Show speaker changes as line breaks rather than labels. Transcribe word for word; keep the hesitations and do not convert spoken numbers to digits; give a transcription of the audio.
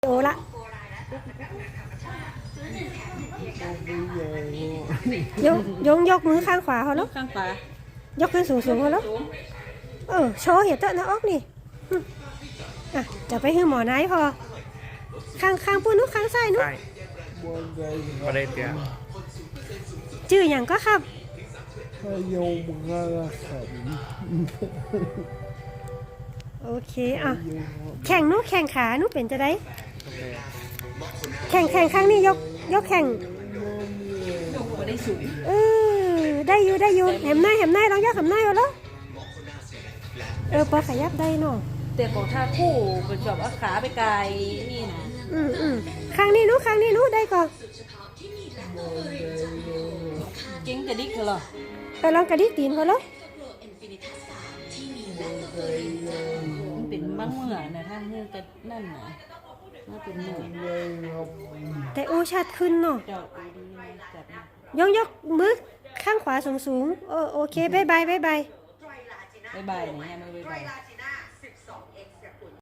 โอละยกยกยกมือข้างขวาเขาแล้ว
ข้างขวาย
กขึ้นสูงสูงเขาแล้วเออโชว์เห็นเตอะนะออกนี่อ่ะจะไปให้หมอไหนพอข้างข้างปุ้นนุ๊กข้างซ้ายนุ๊ก
ใช่ประเด็นเดียว
ชื่ออย่างก็ครับ
พยงมังกรขัน
โอเคอ่ะแข่งนุ๊กแข่งขานุ๊กเป็นจะได้
โอเค
แข่งแข่งข้างนี้ยกยกแข่ง
บ่ได้สูง
เออได้อยู่ได้อยู่แหมหน้าแหมหน้าลองยกแหมหน้าเอาแล้วเออพอขยับได้เนาะ
แต่ของท่าคู่เป็นแบบว่าขาไปไกลนี่นะ
อืมอืมข้างนี้นุ๊กข้างนี้นุ๊กได้ก่อน
เก่งกระดิกเหรอ
เออลองกระดิกตีนเขาแล้ว
มันเป็นบ้างเมื่อนะท่านเมื่อกันนั่นนะน่าเป็นเมื่อ
แต่โอชัดขึ้นเนาะ
เจ้าดูดีนะจับนะ
ยกยกมือข้างขวาสูงสูงโอโอเคบายบายบายบาย
บ๊ายบายเนี่ยมือบ๊ายบาย